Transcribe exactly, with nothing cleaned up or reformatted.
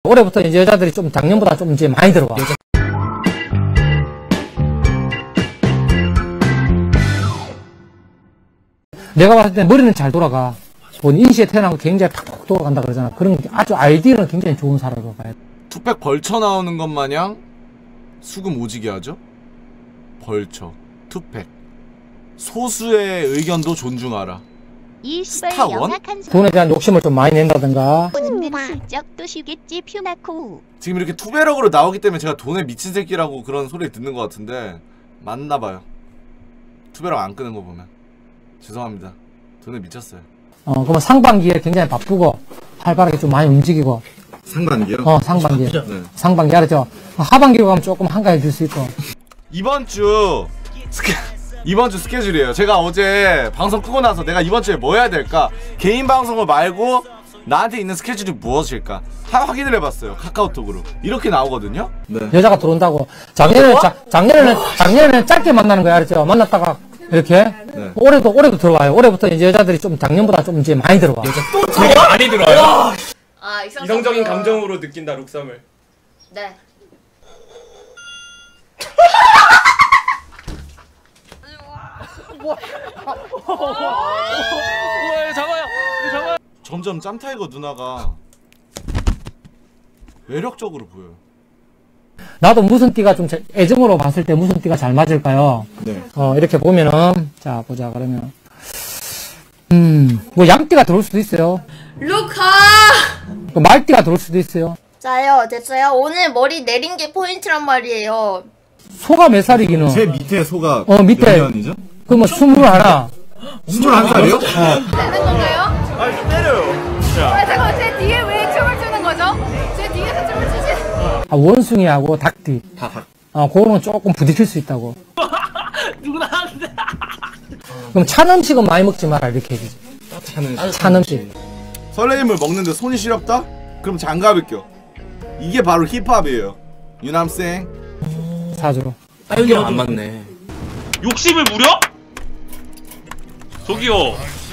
올해부터 이제 여자들이 좀 작년보다 좀 이제 많이 들어와. 여자... 내가 봤을 때 머리는 잘 돌아가. 본 인시에 태어난 거 굉장히 팍팍 돌아간다 그러잖아. 그런 게 아주 아이디어는 굉장히 좋은 사람으로 봐야 돼. 투팩 벌쳐 나오는 것 마냥 수금 오지게 하죠? 벌쳐, 투팩. 소수의 의견도 존중하라. 스타원? 돈에 대한 욕심을 좀 많이 낸다든가. 슬쩍 쉬겠지 퓨나코. 지금 이렇게 투배럭으로 나오기 때문에 제가 돈에 미친 새끼라고 그런 소리 듣는 것 같은데 맞나봐요. 투배럭 안 끄는 거 보면. 죄송합니다. 돈에 미쳤어요. 어, 그러면 상반기에 굉장히 바쁘고 활발하게 좀 많이 움직이고. 상반기요? 어, 상반기. 네. 상반기 알았죠? 하반기로 가면 조금 한가해질 수 있고. 이번 주 스케 이번 주 스케줄이에요. 제가 어제 방송 끄고 나서 내가 이번 주에 뭐 해야 될까? 개인 방송을 말고 나한테 있는 스케줄이 무엇일까? 다 확인을 해봤어요. 카카오톡으로. 이렇게 나오거든요. 네. 여자가 들어온다고. 작년에는 자, 작년에는 작년에는 짧게 만나는 거야, 알았죠? 만났다가 이렇게. 네. 올해도 올해도 들어와요. 올해부터 이제 여자들이 좀 작년보다 좀 이제 많이 들어와. 여자 또 되게 많이 들어와요. 아, 이성적인 감정으로 느낀다 룩섬을. 네. 뭐? 우와, 잡아요. 잡아요. 점점 짬타이거 누나가 매력적으로 보여요. 나도 무슨 띠가 좀 애정으로 봤을 때 무슨 띠가 잘 맞을까요? 네. 어, 이렇게 보면은, 자, 보자, 그러면. 음, 뭐 양띠가 들어올 수도 있어요. 루카! 말띠가 들어올 수도 있어요. 자요, 됐어요. 오늘 머리 내린 게 포인트란 말이에요. 소가 몇 살이기는? 제 밑에 소가 어, 밑에. 몇 년이죠? 그러면 스물하나. 스물한 살이요? 어. 되는 건가요? 아, 좀 때려요. 자. 아, 잠깐만, 제 뒤에 왜 춤을 추는 거죠? 제 뒤에서 춤을 추시. 아, 원숭이하고 닭띠. 다 닭. 어, 그거는 조금 부딪힐 수 있다고. 누구나 하는데. 그럼 찬 음식은 많이 먹지 마라, 이렇게 해주지. 차는 찬 음식. 설레임을 먹는데 손이 시렵다? 그럼 장갑을 껴. 이게 바로 힙합이에요. You know what I'm saying? 사주로. 아, 여기 안 맞네. 욕심을 부려? 저기요.